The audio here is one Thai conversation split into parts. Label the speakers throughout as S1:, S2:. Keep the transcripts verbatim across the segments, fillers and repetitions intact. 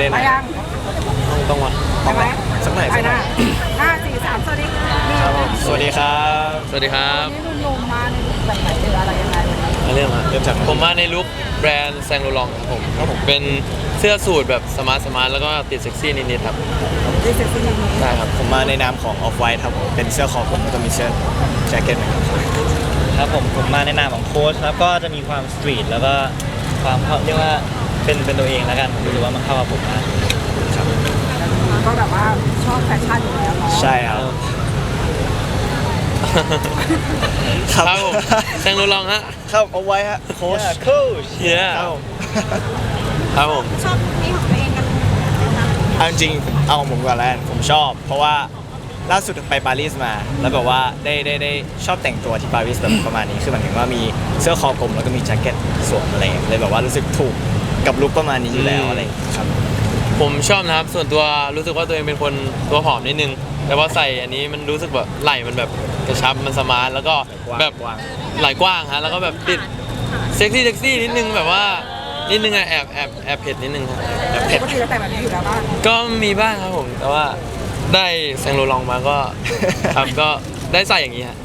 S1: ไหน
S2: ไปยัง
S1: ต้องวะ
S2: ไปไหม
S3: สักหน่อย
S2: ไป
S3: สักหน่
S2: นะ
S3: อย
S2: ห้าสี่สามสวัสดีค่ะ
S3: ครับผมสวัสดีครับ
S1: สวัสดีครับ
S2: วันนี้หนุ่มๆมาในลุคแบบไหนหรืออะไรยังไงวันนี้
S1: มาเรื่องครับ
S3: เริ่มจาก
S1: ผมมาในลุคแบรนด์แซงโลลองครับผมครับผมเป็นเสื้อสูทแบบสมาร์ทสมาร์ทแล้วก็ติดเซ็กซี่นิดๆครับ
S2: ดีเซ็กซี่นี้
S1: ใช่ครับ
S3: ผมมาในนามของ Off White ครับผมเป็นเสื้อคอผมแล้วก็มีเสื้อแจ็คเก็ตเหมือนกันครับ
S4: ครับผมผมมาในนามของโค้ชครับก็จะมีความสตรีทแล้วก็ความเขาเรียกว่าเป็นเป็นตัวเองแล้วกันผมรู้สึกว่ามันเข้ากับผมมาก
S2: ก็แบบว่าชอบแฟชั่นอยู่แล้วเนาะ
S3: ใช่ครับ
S1: ครับผมแซงโลลองฮะ
S3: ครับ Off White ฮะโค้ช
S4: โค้ช
S1: เย้
S3: ครับผม
S1: ครับผม
S2: ชอบนี่ของตัวเองกัน
S3: เอาจริงๆเอาของผมก่อนแล้วกันผมชอบ เพราะว่าล่าสุดไปปารีสมา แล้วแบบว่าได้ได้ได้ชอบแต่งตัวที่ปารีสแบบประมาณนี้คือหมายถึงว่ามีเสื้อคอกลมแล้วก็มีแจ็คเก็ตสวมอะไรอย่างเงี้ยเลยแบบว่ารู้สึกถูกกับลุคประมาณนี้อยู่แล้วอะไรอย่างเงี้ยครับ
S1: ผมชอบนะครับส่วนตัวรู้สึกว่าตัวเองเป็นคนตัวผอมนิดนึง แต่ว่าใส่อันนี้มันรู้สึกแบบไหล่มันแบบกระชับมันสมาร์ทแล้วก็แบบ
S3: กว้าง
S1: ไหล่กว้างฮะแล้วก็แบบติดเซ็กซี่เซ็กซี่นิดนึงแบบว่านิดนึงอะแอบแอบแอบเผ็ดนิดนึงครับ
S3: แบบเผ็ด
S2: ปกติจะแต่งแบบนี้อยู่แล้วบ้าง
S1: ก็มีบ้างครับผมแต่ว่าได้แซงโลลองมาก็ ครับก็ได้ใส่อย่างนี้ฮะ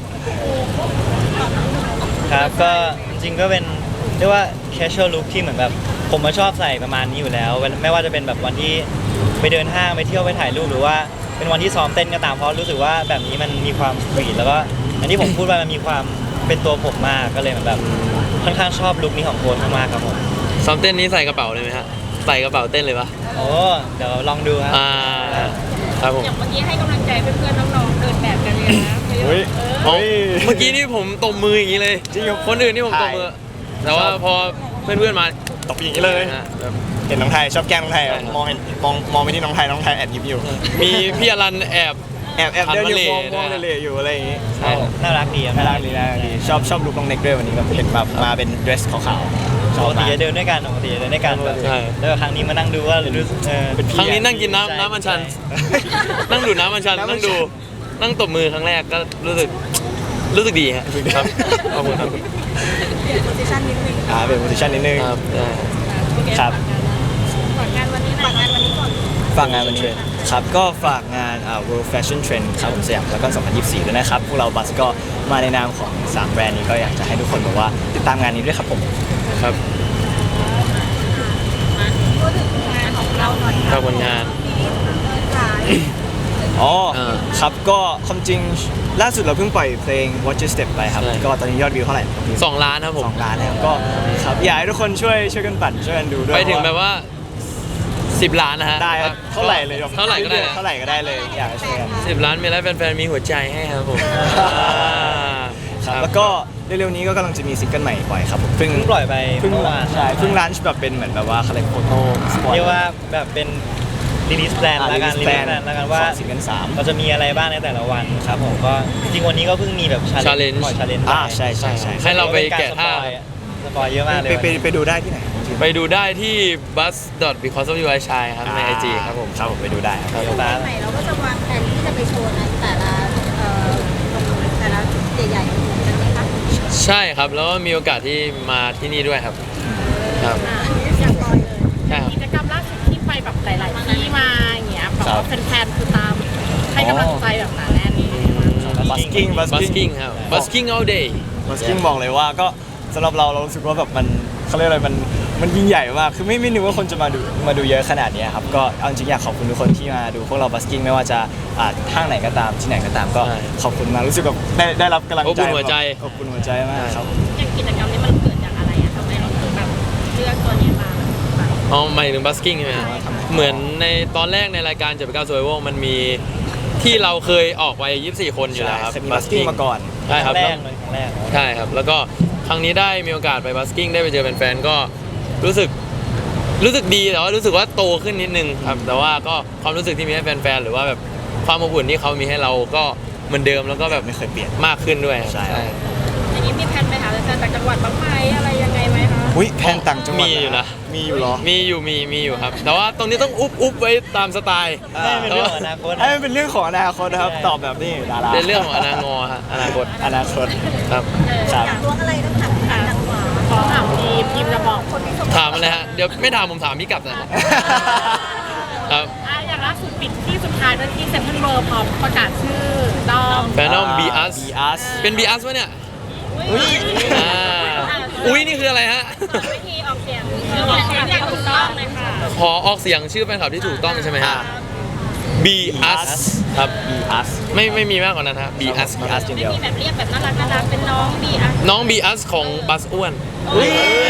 S4: ครับก็จริงๆก็เป็นเรียกว่า casual look ที่เหมือนแบบผมมาชอบใส่ประมาณนี้อยู่แล้วไม่ว่าจะเป็นแบบวันที่ไปเดินห้างไปเที่ยวไปถ่ายรูปหรือว่าเป็นวันที่ซ้อมเต้นก็ตามเพราะรู้สึกว่าแบบนี้มันมีความสตรีทแล้วก็อันที่ผมพูดไปมันมีความเป็นตัวผมมากก็เลยเหมือนแบบค่อนข้างชอบลุคนี้ของโค้ชมากๆครับผม
S1: ซ้อมเต้นนี้ใส่กระเป๋าเลยไหมฮะใส่กระเป๋าเต้นเลยปะ
S4: โอ้เดี๋ยวลองดูครับ
S1: อ่าครับผม
S5: อย่างเมื่อกี้ให้กำลังใจเพื่อนๆน้องๆเดินแบบกันเลยนะ
S3: เฮ้ย
S1: อ๋อ
S3: เฮ้ย
S1: เมื่อกี้นี่ผมตบมืออย่างนี้เลย
S3: จริงเหรอ
S1: คนอื่นนี่ผมตบมือ แต่ว่าพอเพื่อนๆมา
S3: ตบอย่างนี้เลย
S1: ฮะแบบ
S3: เห็นน้องไทยชอบแกล้งน้องไทย
S1: ใช่ครับ
S3: มองเห็นมองมองไปที่น้องไทยน้องไทยแอบยิ้มอยู่
S1: มีพี่อรันแอบ
S3: แอบแอบเดินอยู่มอง
S1: หัน
S3: ม
S1: มา
S3: อง
S1: เหล่
S3: เหล่ๆอยู่อะไรอย่างงี้
S1: ใช่ครับ
S4: น่ารักดีครับ
S3: น่ารักดีน่ารักดีชอบชอบลุคน้องเน็กด้วยวันนี้แบบเห็นแบบมาเป็นเดรสขาวๆช
S4: ป
S3: อบ
S4: กติ
S3: มาก
S4: จะเดินด้วยกันปกติจะเดินด้วยกันแบบ
S1: ใช่
S4: แล้วครั้งนี้มานั่งดูว่ารู้สึกเออ
S1: ครั้งนี้นั่งกินน้ำน้ำมันชัน นั่งดูดน้ำมันชัน
S3: น้ำมันชัน
S1: นั่งดูนั่งตบมือครั้งแรกก็รู้สึกรู้สึกดีฮะครับขอบคุณครับ
S2: โพสิชั่นนิดนึง
S3: อ่าเป็นโพสิชันนิดนึง
S1: ครับได้
S3: ครับ
S5: ฝากงานวันนี้ฝากงานวันนี้ก่อน
S3: ฝากงานวันนี้ครับก็ฝากงานอ่า World Fashion Trend ครับผมสยามแล้วก็สองพันยี่สิบสี่ด้วยนะครับพวกเราบัสก็มาในนามของสามแบรนด์นี้ก็อยากจะให้ทุกคนบอกว่าติดตามงานนี้ด้วยครับผม
S1: ครับ
S5: พูดถึงงานของเราหน่อย
S1: ครับผลงาน
S5: ขาย
S3: อ๋อ
S1: อ่า
S3: ครับก็ความจริงล่าสุดเราเพิ่งปล่อยเพลง Watch Your Step ไปครับ
S1: ใช่
S3: ก็ตอนนี้ยอดวิวเท่าไหร่
S1: สองล้านครับผม
S3: สองล้านแล้วก็ครับอยากให้ทุกคนช่วยช่วยกันปั่นช่วยกันดูด้วย
S1: ไปถึงแบบว่าสิบล้านนะฮะ
S3: ได้ครับเท่าไหร่เลย
S1: เท่าไหร่ก็ได้นะ
S3: เท่าไหร่ก็ได้เลยอยากให้ช่วยกัน
S1: สิบล้านมีแล้วแฟนๆมีหัวใจให้ครับผม
S3: ครับแล้วก็เร็วๆนี้ก็กำลังจะมีซิงเกิลใหม่ปล่อยครับผมเพิ่ง
S4: เพิ่งปล่อยไป
S3: เพิ่ง
S4: เมื่อวาน
S3: ใช่เพิ่งลันช์แบบเป็นเหมือนแบบว่าคาแรคเตอร์โต้สปอย
S4: เรียกว่าแบบเป็น release plan แล้วกัน release plan แล้วกันว่า
S3: ซิงเกิลสาม
S4: เราจะมีอะไรบ้างในแต่ละวันครับผมก็จริงๆวันนี้ก็เพิ่งมีแบบ challenge
S1: challenge
S4: ปล่อย challenge
S3: อ่าใช่ใช่ใช่
S1: ให้เราไปแกะท่า
S4: สปอยเยอะมากเลย
S3: ไปไปไปดูได้ที่ไหน
S1: ไปดูได้ที่ bus dot because of you I shine ครับใน ไอ จี ครับผม
S3: ครับผมไปดูได้ครับ
S4: เดี๋ยวฟ้า
S5: ใหม่เราก็จะวางแผนที่จะไปโชว์ในแต่ละเอ่อแต่ละจุดใหญ่ๆของกันไหมคะ
S1: ใช่ครับ แล้วก็มีโอกาสที่มาที่นี่ด้วยครับ ครับ
S5: อย่างก่อนเลย
S1: ใช่ครับ
S5: กิจกรรมล่าสุดที่ไปแบบหลาย ๆ ที่มาอย่างเงี้ยแบบว่าแฟนๆคือตามให้กำลังใจแบบหนาแน่น
S3: บัสกิ้งบัสกิ้ง
S1: busking ครับ busking all day
S3: บัสกิ้งบอกเลยว่าก็สำหรับเราเรารู้สึกว่าแบบมันเขาเรียกอะไรมันมันยิ่งใหญ่มากคือไม่ไม่นึกว่าคนจะมาดูมาดูเยอะขนาดนี้ครับก็เอาจริงๆอยากขอบคุณทุกคนที่มาดูพวกเราบัสกิ้งไม่ว่าจะอ่าห้างไหนก็ตามที่ไหนก็ตามก็
S1: ใช่
S3: ขอบคุณมากรู้สึกแบบได้ได้รับกำลัง
S1: อบ
S3: ใจ
S1: อุ่นหัวใจ
S3: อบอุ่นหัวใจมากครับ
S5: อย่างกิจกรรมนี้มันเกิดจากอะไรอะทำไมเราถึงแบบเลือกตัวนี้มาแบบ
S1: อ๋อหมายถึง busking ใช่ไหมฮะเหมือนในตอนแรกในรายการเจ็ดแปดเก้า survival มันมีที่เราเคยออกไปยี่สิบสี่คนอยู่แล้วครับ
S3: เคยมีบัสกิ้งมาก่อน
S1: ใช่ครับ
S4: แร
S1: แล้ว
S4: กเลยครั้งแรก
S1: ใช่ครับ แล้วก็ครั้งนี้ได้มีโอกาสไปบัสกิ้งได้ไปเจอแฟนๆก็รู้สึกรู้สึกดีแต่ว่ารู้สึกว่าโตขึ้นนิดนึงครับแต่ว่าก็ความรู้สึกที่มีให้แฟนๆหรือว่าแบบความอบอุ่นที่เขามีให้เราก็เหมือนเดิมแล้วก็แบบ
S3: ไม่เคยเปลี่ยน
S1: มากขึ้นด้วย
S3: ใช่
S5: อย่างนี้มีแผนไปหาแฟนๆจากจังหวัดบ้างไหมอะไรยังไงไหมคะ
S3: อุ้ยแพนต่างจังหวัด
S1: มีอยู่นะ
S3: มีอยู่เหรอ
S1: มีอยู่มีมีอยู่ครับ แต่ว่าตรงนี้ต้องอุบอุบไว้ตามสไตล์
S4: ให้เป็นเรื่องของอนาคต
S3: ให้มันเป็นเรื่องของอนาคตนะครับ
S4: ใช่
S3: ตอบแบบนี้ดารา
S1: เป็นเรื่องของอนาคตฮะอนาคต
S3: อนาคต
S1: ครับ
S3: ครับ
S5: อยากรู้อะไรต้องถามทางจังหวัดขอถามทีมทีมจะบอกคนที่ส่ง
S1: ถามอะไรฮะเดี๋ยวไม่ถามผมถามพี่กลับนะฮะครับ
S5: อ่ะอย่างล่าสุดปิดที่สุดท้ายด้วยที่เซ็นทรัลเวิลด์พร้อมประกาศชื่อดอม
S1: แฟนนอม B us
S3: B us
S1: เป็น B us วะเนี่ย
S5: อุ้ย
S1: อ่าอุ้ยนี่คืออะไรฮะ
S5: วิธีออกเสียงออกเสียงอย่างถูกต้องเลยค่ะ
S1: ขอออกเสียงชื่อแฟนคลับที่ถูกต้องใช่ไหมฮะ B us ครับ
S3: B us
S1: ไม่ไม่มีมากกว่านั้นฮะ B us
S3: B us จริงเดียว
S5: มีแบบเรียกแบบน่ารักน่ารักเป็นน้องบีอ่ะ
S1: น้อง B us ของบัสอ้วน
S3: อุ๊ย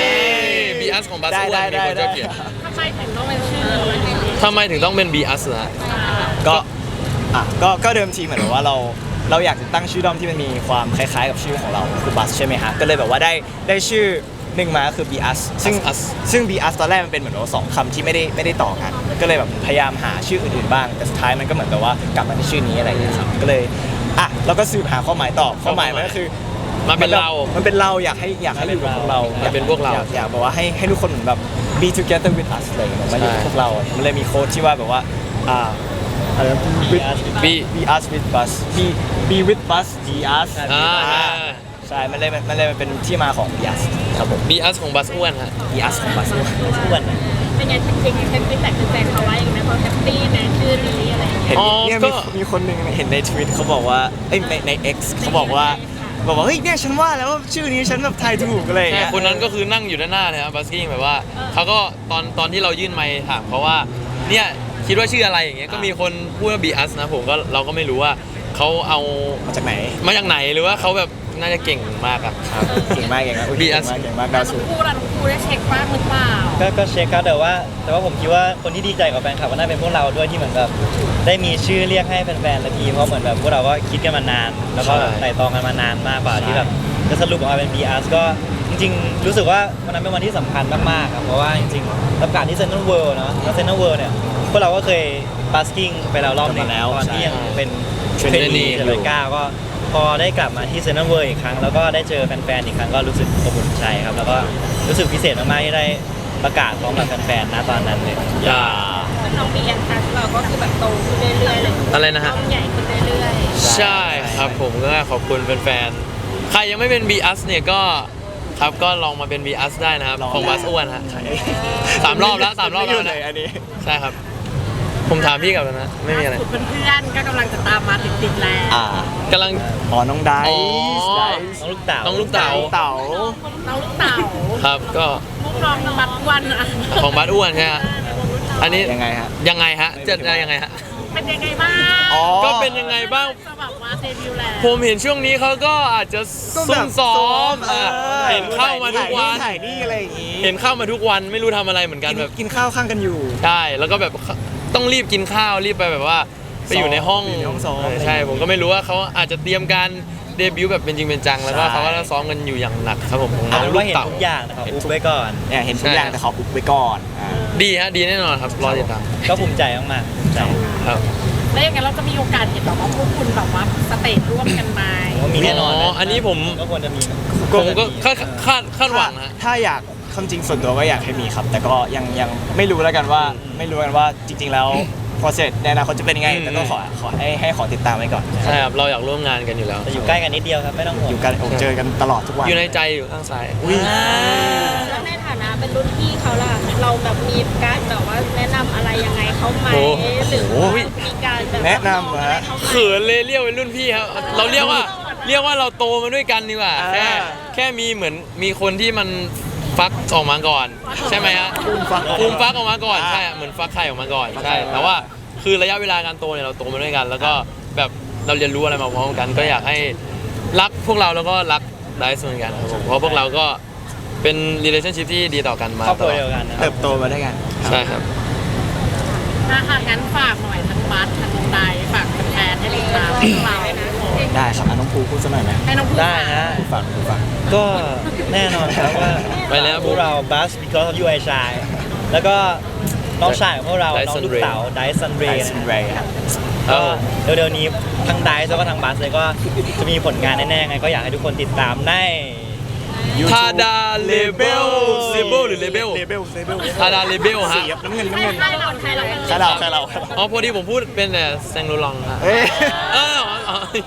S1: B us ของบัส
S3: ได้
S1: อ้วน
S3: ได้
S1: มีคน
S3: ได้
S1: ก็เขียน
S5: ทำไมถึงต้องเป็นชื่อ
S1: ทำไมถึงต้องเป็น B us ล่ะ
S3: ก็อ่ะก็ก็เดิมทีเหมือนแบบว่าเราเราอยากจะตั้งชื่อด้อมที่มันมีความคล้ายๆกับชื่อของเราคือบัสใช่ไหมฮะก็เลยแบบว่าได้ได้ชื่อหนึ่งมาก็คือ B us ซึ่ง
S1: us
S3: ซึ่ง B us ตอนแรกมันเป็นเหมือนว่าสองคำที่ไม่ได้ไม่ได้ต่อกัน ก็เลยแบบพยายามหาชื่ออื่นๆบ้าง แต่สุดท้ายมันก็เหมือนกับว่ากลับมาที่ชื่อนี้อะไรอย่างเงี้ยครับก็เลยอ่ะเราก็สืบหาความหมายต่อความหมายมันก็คือ
S1: มาเป็นเรา
S3: มันเป็นเราอยากให้อยากให้อยู่กับพวกเรา
S1: มันเป็นพวกเรา
S3: อยากอยากแบบว่าให้ให้ทุกคนเหมือนแบบ be together with us อะไรอย่างเงี้ยมาอยู่กับ
S1: ใช่
S3: พวกเรา มันเลยมีโค้ดที่ว่าแบบว่าอ่าอะไรนะ with
S1: B
S3: be us with bus be be with bus be us
S1: อ่า
S3: อ่าใช่ มันเลยมันเลยมันเป็นที่มาของ be us ครับผม
S1: B us ของบัสอ้วนฮะ
S3: be us ของ bus
S4: อ้วนนะ
S5: เป็นไงจริงๆเป็นฟีดแบ็กแฟนๆเขาว่าอย่างไรเขาแฮปปี้ในชื่อนี้อะไรอย่างเงี้ย
S3: เห็น
S1: อ๋อ
S3: เนี่ย
S1: ก็
S3: มีมีคนหนึ่งเห็นในทวิตเขาบอกว่าเอ้ยในใน X เขาบอกว่าบอกว่าเฮ้ยเนี่ยฉันว่าแล้วว่าชื่อนี้ฉันแบบทายถูกอะไรอย่าง
S1: ใช่
S3: เงี้ย
S1: คนนั้นก็คือนั่งอยู่ด้านหน้าเลยครับบัสกิ้งแบบว่าเขาก็ตอนตอนที่เรายื่นไมค์ถามเขาว่าเนี่ยคิดว่าชื่ออะไรอย่างเงี้ยก็มีคนพูดว่า B us นะผมก็เราก็ไม่รู้ว่าเขาเอา
S3: มาจากไหน
S1: มาจากไหนหรือว่าเขาแบบน่าจะเก่งมากอะ
S3: ครับเก่งมากเก่งมากอุ๊ย
S1: B
S3: เก่
S1: us
S3: งมากเก่งมากดาว
S5: ทั้
S3: สู
S5: ง
S3: ง
S5: คู่เราทั้งคู่ได้เช็คบ้างหรือเปล่า
S4: ก็ก็เช็คครับแต่ว่า แต่ว่าผมคิดว่าคนที่ดีใจกับแฟนคลับก็น่าเป็นพวกเราด้วยที่เหมือนแบบได้มีชื่อเรียกให้แฟนๆละทีเพราะเหมือนแบบพวกเราก็คิดกันมานาน แล้วก็
S1: ใช่
S4: ไต่ตองกันมานานมากกว่าที่แบบจะสรุปออกมาเป็น B us ก็จริงๆ รู้สึกว่าวันนั้นเป็นวันที่สำคัญมากๆครับเพราะว่าจริงๆรับการที่เซ็นทรัลเวิลด์เนาะแล้วเซ็นทรัลเวิลด์เนี่ยพวกเราก็เคยบัสกิ้งไปแล้วรอบหนึง
S3: กันมาแล้ว
S4: ตอนที่
S3: ใช่
S4: ยังเป็นเทรน
S1: Trainee
S4: นี
S1: อยู่
S4: เจริญก้าวก็พอได้กลับมาที่เซ็นทรัลเวิลด์อีกครั้งแล้วก็ได้เจอแฟนๆอีกครั้งก็รู้สึกอบอุ่นใจครับแล้วก็รู้สึกพิเศษมากๆที่ได้ประกาศพร้อมกับแฟนๆณตอนนั้นเลย
S1: อย่า
S5: น้องบีเอ็นทัชเราก็คือแบบโตขึ้นเรื่อยๆเลย
S1: อะไรนะฮะ
S5: น้องใหญ่ขึ้นเรื่อย
S1: ใช่ครับผมก็ขอบคุณแฟนๆใครยังไม่เป็น B us เนี่ยก็ครับก็ลองมาเป็น B us ได้นะครับ
S3: ลอง
S1: ของบัสอ้วนฮะสามรอบแล้วสามรอบแล้ว
S3: เล
S1: นะ
S3: ยอันนี้
S1: ใช่ครับ ผมถามพี่กลับแล้วนะ
S5: ๆ
S1: ไม่มีอะไร
S5: ล่าสุดเพื่อนๆก็กำลังจะตามมาติดๆแล้ว
S3: อ่าก
S1: ำลัง
S3: อ๋อน้องได
S1: อ๋อ
S3: ซ์ไดซ์
S4: น้องลูกเต๋า
S1: น้องลูกเต๋า
S3: เต๋า
S5: น้องลูกเต๋า
S1: ครับก็
S5: ลูกน้องบัตรวันอะ
S1: ของบัสอ้วนใช่ไหมฮะอันนี้
S3: ยังไงฮะ
S1: ยังไงฮะจะจะยังไงฮะ
S5: เป็นยังไงบ้าง
S3: อ๋อ
S1: ก็เป็นยังไงบ้าง
S5: จะแบบว่าเดบิวต์แล้ว
S1: ผมเห็นช่วงนี้เขาก็อาจจะ
S3: ก็
S1: ซุ่
S3: แบ
S1: ม
S3: บ
S1: ซ้อม
S3: เอ
S1: อ่ะ
S3: อ
S1: เห็นเข้ามาทุกวัน
S3: ถ่ายนี่อะไรอย่างงี้
S1: เห็นเข้ามาทุกวันไม่รู้ทำอะไรเหมือนกัน
S3: กิน
S1: แบบ
S3: กินข้าวข้างกันอยู่
S1: ใช่แล้วก็แบบต้องรีบกินข้าวรีบไปแบบว่าไปอยู่ในห้อง
S3: อยู่ในห้องซ้อม
S1: เใช่ผมก็ไม่รู้ว่าเขาอาจจะเตรียมการเดบิวต์แบบเป็นจริงเป็นจังแล้วก็
S3: ใช่
S1: เขาก็ซ้อมกันอยู่อย่างหนักครับผมของน้
S4: เอา
S1: อง
S4: เป็น
S1: ลู
S4: ว่าก เห็น
S1: เต่า
S4: ทุกอย่างนะครับอุบไว้ก่อน
S3: เนี่ยเห็นทุกอย่าง
S1: ใช่
S3: แต่ขออุบไว้ก่อนอ่า
S1: ดีฮะดีแน่นอนครับรอติดตาม
S4: ก็ภูมิใจมากๆภูมิใจ
S1: ครับ
S5: แล้วอย่างนั้นเราจะมีโอกาสเห็นแบบว่าพวกคุณแบบว่าสเตจร่วมกันไหม
S4: ว่ามีแน่นอน
S1: อ๋ออันนี้ผม
S4: ก็ควรจะมี
S1: ผมก็คาดคาดคาดหวังนะ
S3: ถ้าอยากความจริงส่วนตัวก็อยากให้มีครับ แต่ก็ยังยังไม่รู้แล้วกันว่า
S1: อืม
S3: ไม่รู้กันว่าจริง ๆ แล้ว process ในอนาคตจะเป็นยังไง
S1: อืม
S3: แต่ก็ขอขอให้ให้ขอติดตามไว้ก่อน
S1: ใช่ครับเราอยากร่วมงานกันอยู่แล้ว
S4: แต่อยู่ใกล้กันนิดเดียวครับไม่ต้องห่วง
S3: อยู่กันโอ้เจอกันตลอดทุกวัน
S1: อยู่ในใจอยู่ข้างซ้าย
S3: อุ้ย
S5: แล้วในฐานะเป็นรุ่นพี่เขาล่ะเราแบบมีการแบบว่าแนะนำอะไรยังไงเขาไหม
S1: โอ้
S5: หรือว่ามีการแบบ
S3: แนะนำเหรอฮะ
S5: เขาไหม
S1: เขินเลยเรียกเป็นรุ่นพี่ครับเราเรียกว่าเรียกว่าเราโตมาด้วยกันดีกว่า
S3: อ่า
S1: แค่แค่มีเหมือนมีคนที่มันฟักออกมาก่อน ใช่ไหมฮะ
S3: ฟูมฟัก
S1: ฟูมฟักออกมาก่อน
S3: อ่า
S1: ใช่เหมือนฟักไข่ออกมาก่อน
S3: ฟักไข่
S1: ใช่แต่ว่าคือระยะเวลาการโตเนี่ยเราโตมาด้วยกัน แล้วก็แบบเราเรียนรู้อะไรมาพร้อมกัน ก็อยากให้รักพวกเราแล้วก็รักไดซ์เหมือนกันครับผมเพราะพวกเราก็เป็น relationship ที่ดีต่อกันมา
S4: ครอบค
S1: ต
S4: รัว
S1: ลอด
S4: เดียวกันนะครั
S3: เติ
S4: บ
S3: บโตมาด้วยกัน
S1: ใช่ครับ
S5: อ่ะค่ะงั้นฝากหน่อยทั้งบัสทั้งไดฝากแฟนๆให้ติดตามพวกเรานะ
S3: ได้ครับอ่ะน้องภูพูดสักหน่อยไหม
S5: ให้น้องพูด
S4: ได้ฮะ
S3: ฝากภูฝาก
S4: ก็แน่นอนครับว่า
S1: ไปแล้ว
S4: พวกเรา Buzz because of you I shine แล้วก็น้องชายของพวกเรา น้องลูกเต๋าไดซันเร
S3: ได
S4: ย์
S3: ซ์เรย์ครับ
S4: ก็เร็วๆนี้ทั้งไดซ์แล้วก็ทั้งบัสเลยก็จะมีผลงานแน่ๆไงก็อยากให้ทุกคนติดตามใน
S1: ทาดาเลเบลเลเบลหรือเลเบล
S3: เลเบลเลเบล
S1: ทาดาเลเบลฮะ
S3: สีครับน้ำเงินน้ำเงิน
S5: ใครเราใครเรา
S3: ใครเราใครเราใครเรา
S1: อ๋อพอดีผมพูดเป็นแต่แซงโรลองฮะ
S3: เอ้ย
S1: เอออ๋ออ๋อ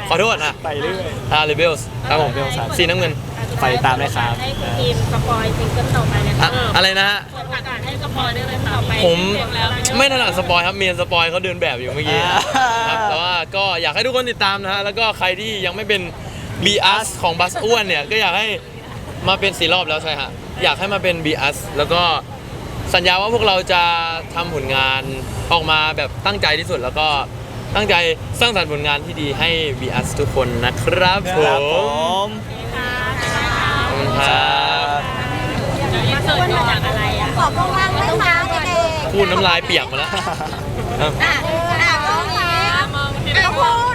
S1: ขอโทษอ่ะ
S3: ไปเรื่อย
S1: อ่าเรเบลส์ครับผม
S3: Rebels ครับ
S1: สีน้ำเงิน
S3: ไปตามได้ครับ
S5: ให้คุณทีมสปอยซิงเกิลต่อไปเลย
S1: อะ
S5: ค่ะ
S1: อะไรนะฮะ
S5: เปิดโอกาสให้สปอยได้เลยค่ะต่อไป
S1: ผมไม่ถนัดสปอยครับเมียนสปอยเขาเดินแบบอยู่เมื่อกี้
S3: อ่า
S1: ครับแต่ว่าก็อยากให้ทุกคนติดตามนะฮะแล้วก็ใครที่ยังไม่เป็น บี เอส ของบัสอ้วนเนี่ยก็อยากให้มาเป็นสี่รอบแล้วใช่ฮะอยากให้มาเป็น บี เอส แล้วก็สัญญาว่าพวกเราจะทำผลงานออกมาแบบตั้งใจที่สุด แล้วก็ตั้งใจสร้างสรรค์ผลงานที่ดีให้ บี เอส ทุกคนนะครับผ
S3: ครับผม ม
S1: ขอบคุณครับ
S5: มาเสิร์ฟมาจากอะไรอ่ะ
S2: ขอบคุณมากเลยค่ะเด็ก
S1: พูดน้ำลายเปียกมาแล้วครับ
S2: ๆอ่ะอ่ะมองนี้
S5: มองที่
S2: อ่ะพูด